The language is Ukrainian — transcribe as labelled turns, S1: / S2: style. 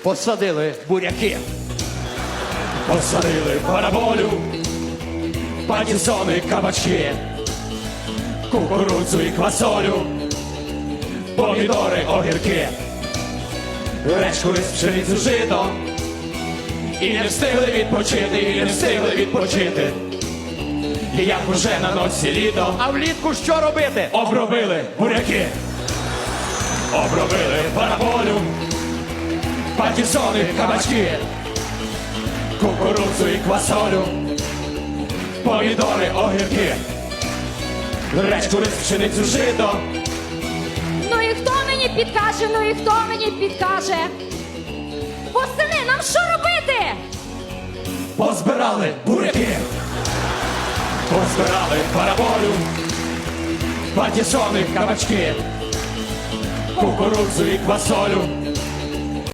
S1: Посадили буряки.
S2: Посадили параболю, патісони, кабачки, кукурудзу і квасолю, помідори, огірки, речку, рис, пшеницю, жито. І не встигли відпочити, і не встигли відпочити. І як уже на носі літо,
S1: А влітку що робити?
S2: обробили буряки, обробили параболю, патісони, кабачки, кукурудзу і квасолю, помідори, огірки, речку, рис, пшеницю, жито.
S3: Ну і хто мені підкаже, ну і хто мені підкаже? Восени, нам що робити?
S2: Позбирали буряки, позбирали параболю, патісони, кабачки, кукурудзу і квасолю,